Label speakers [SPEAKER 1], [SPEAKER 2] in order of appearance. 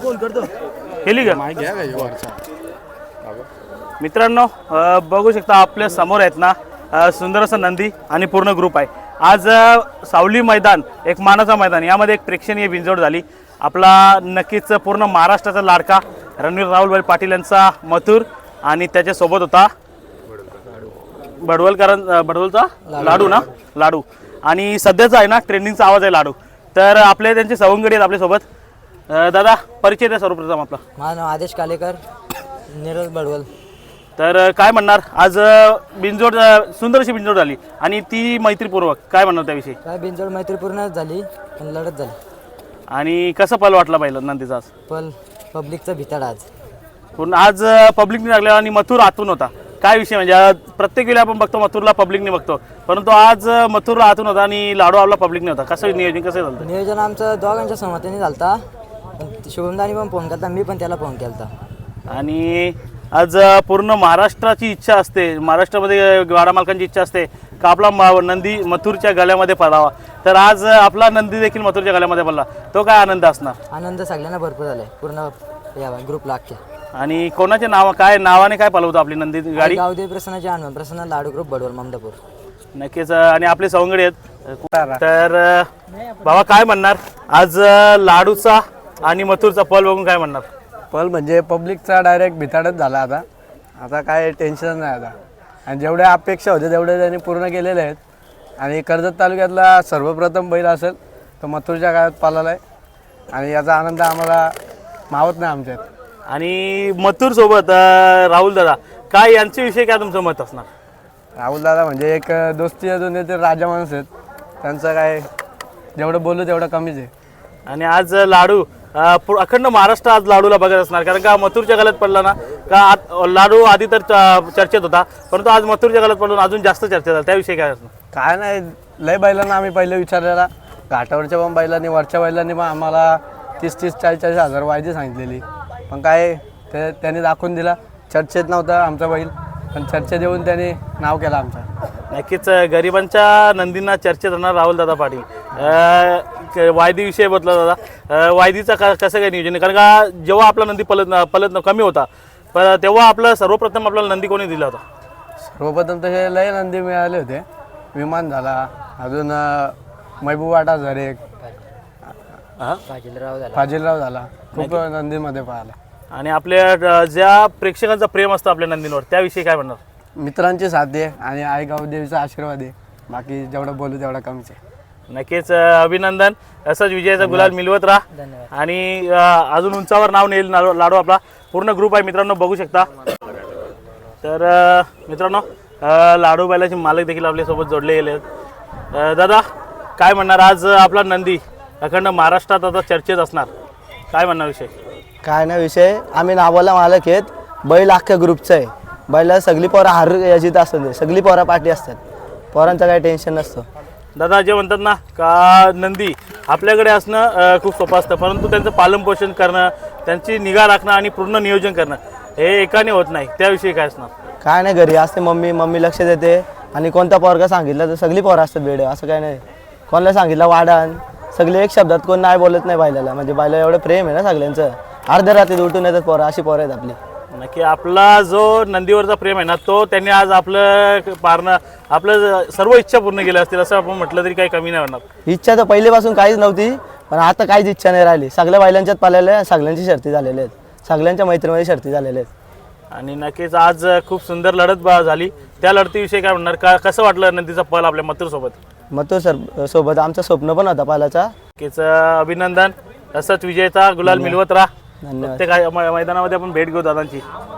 [SPEAKER 1] केली का मित्रांनो? बघू शकता आपल्या समोर आहेत ना सुंदर असा नंदी आणि पूर्ण ग्रुप आहे. आज सावली मैदान एक मानाचा मैदान, यामध्ये एक प्रेक्षणीय बिंजोड झाली. आपला नक्कीच पूर्ण महाराष्ट्राचा लाडका रणवीर राहुल पाटील यांचा मथुर आणि त्याच्यासोबत होता बडवलचा लाडू ना, लाडू. आणि सध्याचा आहे ना ट्रेंडिंगचा आवाज आहे लाडू. तर आपले त्यांचे सवंगडी आहेत आपल्यासोबत. दादा परिचय द्या सर्वप्रथम आपला.
[SPEAKER 2] माझं नाव आदेश कालेकर, नीरज बडवल.
[SPEAKER 1] तर काय म्हणणार, आज बिंजोड सुंदर बिंजोड झाली आणि ती मैत्रीपूर्वक, काय म्हणणार त्याविषयी?
[SPEAKER 2] काय बिनजोड मैत्रीपूर्णच झाली पण लढत झाली.
[SPEAKER 1] आणि कसं पल वाटला पहिला नंदीचा आज?
[SPEAKER 2] पण पब्लिकचा भिताड आज
[SPEAKER 1] पूर्ण आज पब्लिकने लागला आणि मथुर आतून होता. काय विषय म्हणजे प्रत्येक वेळी आपण बघतो मथुरला पब्लिकने बघतो, परंतु आज मथुर आतून होता आणि लाडू आपला पब्लिकने होता. कसं नियोजन कसं झालं?
[SPEAKER 2] नियोजन आमचं दोघांच्या सहमतीने झालता. शुभमदानी पण फोन केला, मी पण त्याला फोन केला.
[SPEAKER 1] आणि आज पूर्ण महाराष्ट्राची इच्छा असते, महाराष्ट्रामध्ये गाडा मालकांची इच्छा असते का आपला नंदी मथुरच्या गळ्यामध्ये पडावा. तर आज आपला नंदी देखील मथुरच्या गळ्यामध्ये पडला, तो काय आनंद असणार?
[SPEAKER 2] आनंद सगळ्यांना भरपूर झालाय पूर्ण या ग्रुपला अख्ख्या.
[SPEAKER 1] आणि कोणाचे नाव, काय नावाने काय पळवतो आपली नंदी गाडी?
[SPEAKER 2] गावदेवी प्रसन्नाचे आणून प्रसन्न लाडू ग्रुप बडवल ममदापूर.
[SPEAKER 1] नक्कीच. आणि आपले सवंगडी आहेत. तर बाबा काय म्हणणार आज लाडूचा आणि मथुरचा पल बघून काय म्हणणार?
[SPEAKER 3] पल म्हणजे पब्लिकचा डायरेक्ट भिताडच झाला. आता काय टेन्शन नाही आता. आणि जेवढ्या अपेक्षा होत्या तेवढे त्यांनी पूर्ण केलेले आहेत. आणि कर्जत तालुक्यातला सर्वप्रथम बैल असेल तो मथुरच्या काळात पाळला आहे आणि याचा आनंद आम्हाला मावत नाही आमच्यात.
[SPEAKER 1] आणि मथुर सोबत राहुल दादा, काय यांच्याविषयी काय तुमचं मत असणार?
[SPEAKER 3] राहुल दादा म्हणजे एक दोस्ती अजून ते राजा माणूस आहेत, त्यांचं काय जेवढं बोलू तेवढं कमीच आहे.
[SPEAKER 1] आणि आज लाडू अखंड महाराष्ट्र आज लाडूला बघत असणार, कारण का मथुरच्या गळ्यात पडला ना का लाडू आधी तर चर्चेत होता, परंतु आज मथुरच्या गळ्यात पडून अजून जास्त चर्चेत झाला. त्याविषयी काय असणार?
[SPEAKER 3] काय नाही, लय बैलांना आम्ही पहिले विचारलेला, घाटावरच्या पण बैलांनी वरच्या बैलांनी पण आम्हाला 30-30, 40-40 हजार वायदी सांगितलेली, पण काय त्यांनी दाखवून दिला. चर्चेत नव्हता आमचा बैल, पण चर्चेत येऊन त्यांनी नाव केलं आमचं.
[SPEAKER 1] नक्कीच गरिबांच्या नंदींना चर्चेत राहणार राहुल दादा पाटील. वायदीविषयी बदला दादा, वायदीचा कसं काय नियोजन आहे? कारण का जेव्हा आपला नंदी पलत कमी होता तेव्हा आपलं सर्वप्रथम आपल्याला नंदी कोणी दिला होता?
[SPEAKER 3] सर्वप्रथम तसे लय नंदी मिळाले होते. विमान झाला, अजून महबूब वाटा झरे, फाजिलराव झाला, खूप नंदीमध्ये पाहिला.
[SPEAKER 1] आणि आपल्या ज्या प्रेक्षकांचा प्रेम असतं आपल्या नंदींवर, त्याविषयी काय म्हणणार?
[SPEAKER 3] मित्रांची साथ आहे आणि आई गावदेवीचा आशीर्वाद आहे. बाकी जेवढं बोलू तेवढं कमीच आहे.
[SPEAKER 1] नक्कीच अभिनंदन. असंच विजयाचा गुलाल मिळवत राहा आणि अजून उंचावर नाव नेईल लाडू. आपला पूर्ण ग्रुप आहे मित्रांनो, बघू शकता. तर मित्रांनो लाडू बैलाचे मालक देखील आपल्यासोबत जोडले गेले आहेत. दादा काय म्हणणार, आज आपला नंदी अखंड महाराष्ट्रात आता चर्चेत असणार, काय म्हणणार विषय?
[SPEAKER 2] काय नाही विषय, आम्ही नावाला मालक आहेत, बैल अख्ख्या ग्रुपचं आहे. बैलाला सगळी पोरं हार याची असतात, सगळी पोरं पाठी असतात, पोरांचं काही टेन्शन नसतं.
[SPEAKER 1] दादा जे म्हणतात ना का नंदी आपल्याकडे असणं खूप सोपं असतं, परंतु त्यांचं पालनपोषण करणं, त्यांची निगा राखणं आणि पूर्ण नियोजन करणं हे एकाने होत नाही. त्याविषयी काय असणार?
[SPEAKER 2] काय नाही, घरी असते मम्मी लक्ष देते. आणि कोणता पोरगा सांगितलं तर सगळी पोरं असतात वेळ, असं काय नाही. कोणाला सांगितलं वाढान, सगळे एक शब्दात कोण नाही बोलत नाही बैलाला. म्हणजे बैला एवढं प्रेम आहे ना सगळ्यांचं, अर्ध्या रात्री उठून येतात पोरं, अशी पोरं आहेत आपली.
[SPEAKER 1] नक्की आपला जो नंदीवरचा प्रेम आहे ना, तो त्यांनी आज आपलं पारणं, आपलं सर्व इच्छा पूर्ण केल्या असतील असं आपण म्हटलं तरी काही कमी नाही होणार.
[SPEAKER 2] इच्छा तर पहिलेपासून काहीच नव्हती, पण आता काहीच इच्छा नाही राहिली. सगळ्या बैलांच्यात पाळलेल्या आहेत, सगळ्यांची शर्ती झालेल्या आहेत, सगळ्यांच्या मैत्रीमध्ये शर्ती झालेल्या आहेत.
[SPEAKER 1] आणि नक्कीच आज खूप सुंदर लढत झाली. त्या लढतीविषयी काय म्हणणार, का कसं वाटलं नंदीचा पल आपल्या मथुरसोबत?
[SPEAKER 2] मथुर सोबत आमचं स्वप्न पण होता पालाचा.
[SPEAKER 1] नक्कीच अभिनंदन. असंच विजयाचा गुलाल मिळवत राहा.
[SPEAKER 2] धन्यवाद.
[SPEAKER 1] प्रत्येक मैदानामध्ये आपण भेट घेऊ दादांची.